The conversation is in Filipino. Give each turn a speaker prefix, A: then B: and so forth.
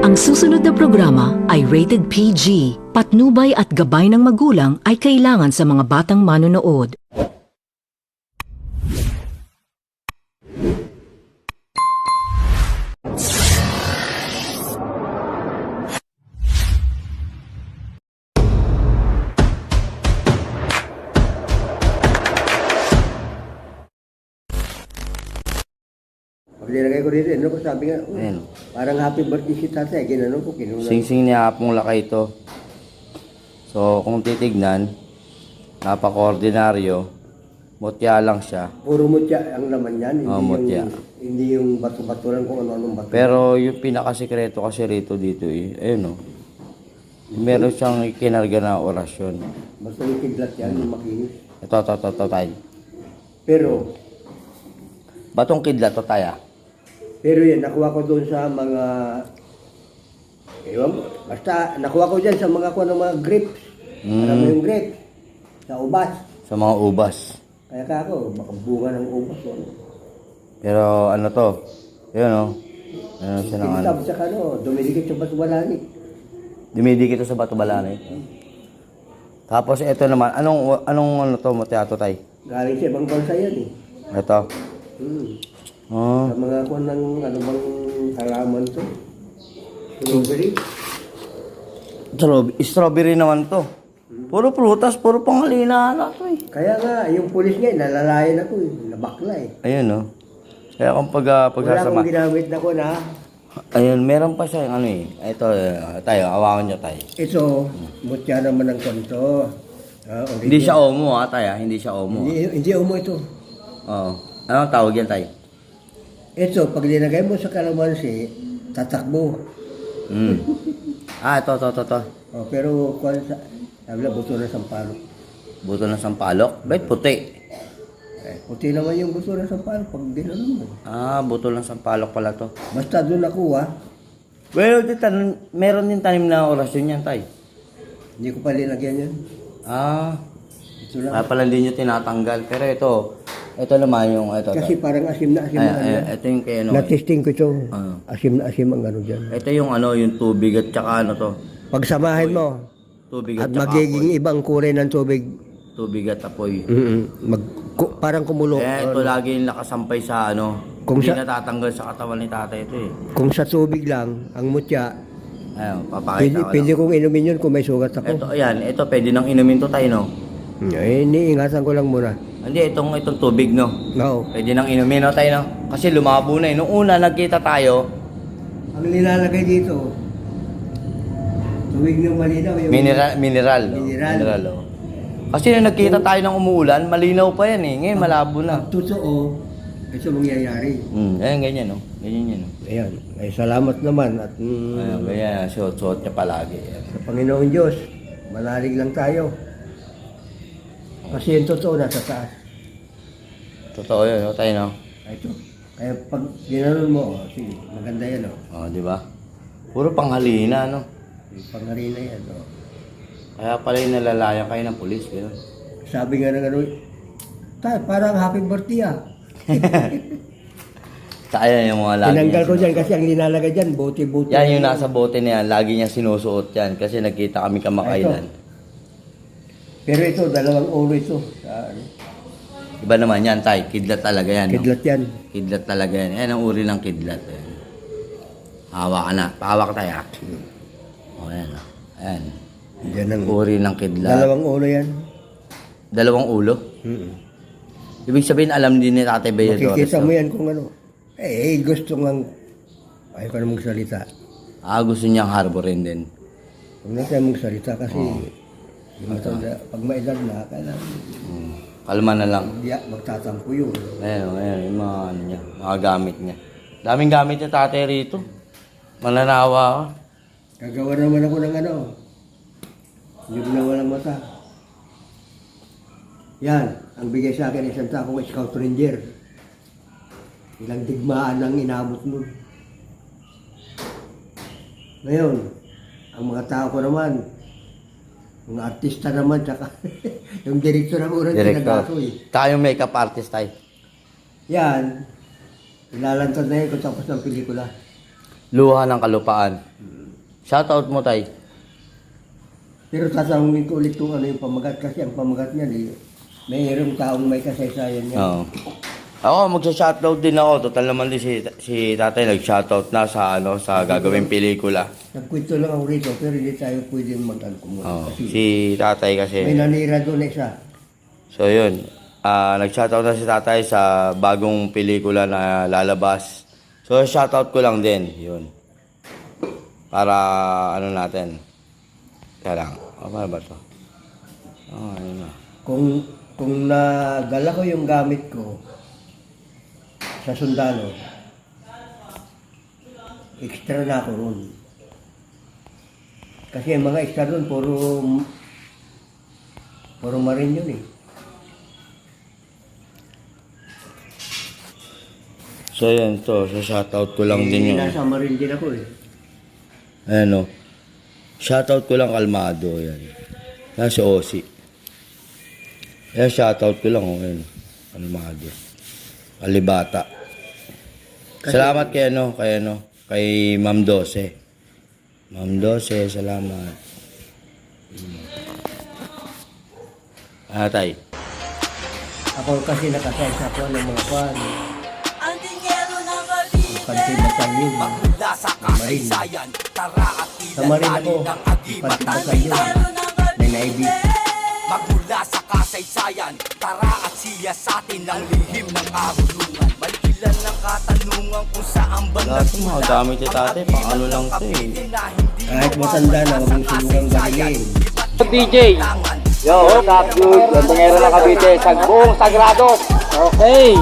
A: Ang susunod na programa ay rated PG. Patnubay at gabay ng magulang ay kailangan sa mga batang manonood.
B: Pag nilagay ko rito, ano ko sabi nga,
C: Ayan.
B: parang happy birthday si tatay. Ginano ko, kinulang.
C: Sing-sing ni Apong Lakay ito. So, kung titignan, napaka-ordinaryo. Mutya lang siya.
B: Puro mutya ang laman yan. Hindi,
C: mutya.
B: hindi yung bato-bato lang kung ano-anong bato.
C: Pero yung pinakasikreto kasi rito dito ayun o. Meron siyang kinarga na orasyon.
B: Basta yung kidlat yan, yung makinis.
C: Ito, tayo.
B: Pero,
C: Batong kidlat to tayo.
B: pero yan, nakuha ko doon sa mga, ewan, basta nakuha ko dyan sa mga kuha ng mga grapes. Alam mo yung grapes? Sa ubas.
C: Sa mga ubas.
B: Kaya ka ako, baka bunga ng ubas. Ano.
C: Pero ano to? Ayun o. Ano siya ng ano?
B: Sa ano, dumidikit sa bato-balani.
C: Dumidikit ito sa bato balanay. Tapos ito naman, anong ano to mo teatro tay?
B: Galing sa ibang bansa yan eh.
C: Ito. Oh.
B: Sa mga kuha ng ano bang halaman to. Strawberry.
C: Strawberry naman to. Puro prutas, puro panghalina na to eh.
B: Kaya nga, yung pulis nga, nalalayan ako eh. Nabakla eh.
C: Ayun no. Kaya kung
B: Wala
C: pagsasama.
B: akong ginamit na ko na.
C: Ayun, meron pa siya yung ano eh. Ito, tayo, awakan nyo tayo.
B: Ito, mutya naman ng konto.
C: Hindi siya omo ha, tayo. Hindi siya omo.
B: Hindi umo ito.
C: Oo. Anong tawag yan tayo?
B: Ito, pag linagay mo sa kalamansi, tatakbo.
C: Ito.
B: Oh, pero kung sabi na, buto na sampalok.
C: Buto ng sampalok? Ba't puti?
B: Puti naman yung buto na sampalok pag dinalo mo.
C: Buto ng sampalok pala to.
B: Basta doon nakuha,
C: Well, meron din tanim na orasyon yan tayo.
B: hindi ko pa linagyan yan. Ito lang.
C: Kaya pala hindi nyo tinatanggal. Pero ito naman yung, ito.
B: Kasi parang asim na asim na ano.
C: Ito yung kay ano.
B: Na-testing ko ito.
C: Ah.
B: Asim na asim ang ano dyan.
C: Ito yung ano, yung tubig at saka ano to.
B: Pagsamahin mo,
C: Tubig
B: at
C: at saka
B: magiging
C: apoy.
B: ibang kulay ng tubig.
C: Tubig at apoy.
B: Parang kumulo.
C: Ito lagi yung nakasampay sa ano.
B: Kung
C: Hindi
B: sa-
C: natatanggal sa katawan ni tatay ito eh.
B: Kung sa tubig lang, ang mutya,
C: Ayun, papakita ko
B: pwede
C: lang.
B: kong inumin yun kung may sugat ako.
C: Ito, ayan. Ito, pwede nang inumin to tayo, no?
B: Iniingatan ko lang muna.
C: Hindi, itong tubig, no?
B: No.
C: Pwede nang inumin, no, tayo, no? Kasi lumabo na eh. Nung una, nagkita tayo,
B: Ang nilalagay dito, tubig ng malinaw. Yung
C: mineral. No?
B: Mineral.
C: Oh. Kasi nung nagkita tayo ng umuulan, malinaw pa yan eh. Ngayon, malabo na.
B: Pag totoo, ito mangyayari.
C: Ayan, ganyan, no? Ganyan yan, no?
B: Ayan. Ay, salamat naman. At
C: Ayan, ganyan. Suot niya palagi. Ayan.
B: sa Panginoon Diyos, manalig lang tayo. Kasi yung totoo nasa taas.
C: Totoo yun, no? Tayo, no?
B: Ito. Kaya pag ginanon mo, sige, maganda yan,
C: Di ba? Puro panghalina, no?
B: Yung pangarina yan,
C: Kaya pala yung nalalayan kayo ng pulis, gano'n.
B: Sabi nga ng ano, parang happy birthday
C: Kaya yung mga lagi
B: Tinanggal
C: niya
B: ko dyan kasi ang linalagay dyan, bote-bote.
C: Yan yung nasa bote na yan, lagi niya sinusuot yan kasi nagkita kami kamakailan.
B: Pero ito, dalawang ulo ito. Ano,
C: Iba naman yan, tay. Kidlat talaga yan. No?
B: kidlat yan.
C: Kidlat talaga yan. Yan ang uri ng kidlat. Yan. Hawak ka na. Pahawak tayo. O, yan. Ayan.
B: Yan ang
C: Uri ng kidlat.
B: dalawang ulo yan.
C: Dalawang ulo? Ibig sabihin, alam din ni Tatay Bayadores.
B: Makikita mo yan kung ano. Gusto nga, ayaw ka na magsalita.
C: Gusto niyang harborin din.
B: Huwag na tayo magsalita kasi yung matanda, pag maedad na, kailangan
C: Kalma na lang.
B: magtatampo yun.
C: Ayan, yung mga ano niya, mga gamit niya. Daming gamit niya tatay rito. Mananawa ka.
B: Gagawa naman ako ng ano, yung na walang mata. Yan, ang bigay sa akin isang takong Scout Ranger. Ilang digmaan ang inabot nun. Ngayon, ang mga tao ko naman, mga artista naman, tsaka yung director ng unang pinagaso eh.
C: Tayo yung makeup artist tayo.
B: Yan, ilalantad na yun kung tapos ng pelikula.
C: Luha ng Kalupaan. Shoutout mo, tay.
B: Pero tatanungin ko ulit kung ano yung pamagat kasi ang pamagat niya mayroong taong may kasaysayan niya.
C: Oo. Ako, magsa-shoutout din ako. Total naman din si tatay nag-shoutout na sa sa gagawing pelikula.
B: Nagkwento lang ako rito pero hindi tayo pwede mag-alcohol.
C: Oo.
B: Kasi
C: Si tatay kasi.
B: may nanira doon isa.
C: So yun, nag-shoutout na si tatay sa bagong pelikula na lalabas. So shoutout ko lang din, yun. Para ano natin. Kaya lang, paano ba ito? Ayun na.
B: Kung nadala ko yung gamit ko sa sundalo, extra na ako ron. Kasi yung mga extra ron, puro marin yun eh.
C: So yun to, so shoutout ko lang din yun.
B: Nasa marin din ako eh.
C: Ayan o. Shoutout ko lang kalmado, yan. Yan si Osi. Ayan, shoutout ko lang, ayan. Kalmado. Kalibata. Salamat kay Ma'am Dose. Ma'am Dose, salamat. Tay.
B: Ako kasi nakasaysa ko ng mga kwan.
D: Ang dinero ng gabi
B: Pantay batalyon.
E: Magmula sa kasaysayan, tara at
B: Sa marin ako.
E: ilantanin ng agibat
B: Pantay
E: at
B: batalyon. May naibi.
E: Magmula sa kasaysayan, tara at siya sa atin ang lihim ng karunungan. Malikilan ng katanungan kung saan ba
C: Lahat ng mga gamit ni tatay, pang ano lang to eh.
B: Kahit matanda na, huwag mong sinugang galing.
F: DJ. Yo, what's up, dude? Yung tungero ng Cavite, Sagbong Sagrado. Okay.